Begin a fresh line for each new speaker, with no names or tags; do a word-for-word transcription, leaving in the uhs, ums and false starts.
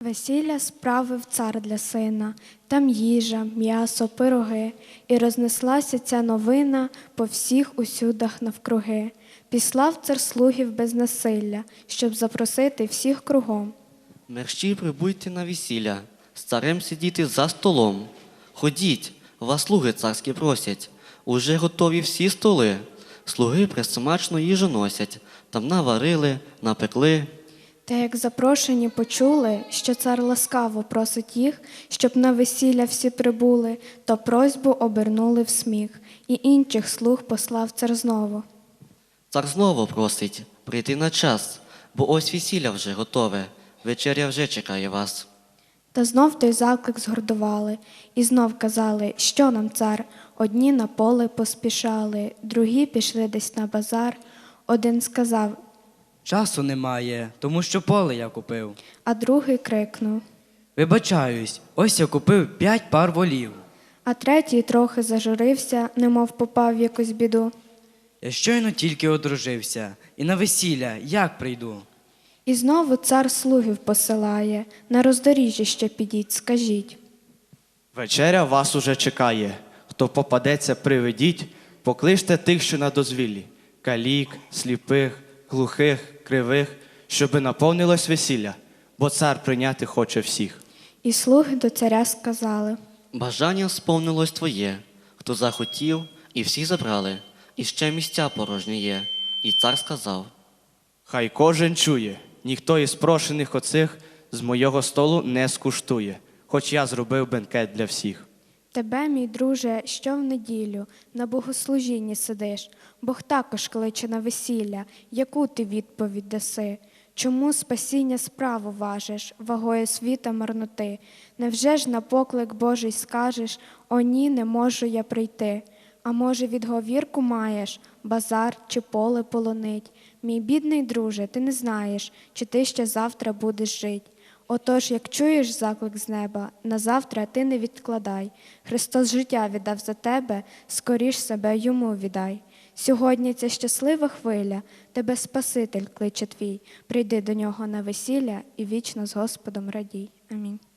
Весілля справив цар для сина, там їжа, м'ясо, пироги, і рознеслася ця новина по всіх усюдах навкруги. Післав цар слугів без насилля, щоб запросити всіх кругом.
Мерщій прибуйте на весілля, з царем сидіти за столом. Ходіть, вас слуги царські просять, уже готові всі столи. Слуги пресмачну їжу носять, там наварили, напекли.
Та як запрошені почули, що цар ласкаво просить їх, щоб на весілля всі прибули, то просьбу обернули в сміх, і інших слуг послав цар знову.
Цар знову просить прийти на час, бо ось весілля вже готове, вечеря вже чекає вас.
Та знов той заклик згордували, і знов казали, що нам цар. Одні на поле поспішали, другі пішли десь на базар. Один сказав,
часу немає, тому що поле я купив.
а другий крикнув.
Вибачаюсь, ось я купив п'ять пар волів.
А третій трохи зажурився, немов попав в якусь біду.
Я щойно тільки одружився, і на весілля як прийду?
І знову цар слугів посилає, на роздоріжжя ще підіть, скажіть.
Вечеря вас уже чекає. Хто попадеться, приведіть, покличте тих, що на дозвіллі, калік, сліпих, глухих, кривих, щоби наповнилось весілля, бо цар прийняти хоче всіх.
І слуги до царя сказали.
Бажання сповнилось твоє, хто захотів, і всі забрали, і ще місця порожні є. І цар сказав.
Хай кожен чує, ніхто із прошених оцих з моєго столу не скуштує, хоч я зробив бенкет для всіх.
Тебе, мій друже, що в неділю на богослужінні сидиш, Бог також кличе на весілля, яку ти відповідь даси? Чому спасіння справу важиш, вагою світа марноти? Невже ж на поклик Божий скажеш, о ні, не можу я прийти? А може, відговірку маєш, базар чи поле полонить? Мій бідний друже, ти не знаєш, чи ти ще завтра будеш жить. Отож, як чуєш заклик з неба, на завтра ти не відкладай. Христос життя віддав за тебе, скоріш себе йому віддай. Сьогодні ця щаслива хвиля, тебе Спаситель кличе твій. Прийди до нього на весілля і вічно з Господом радій. Амінь.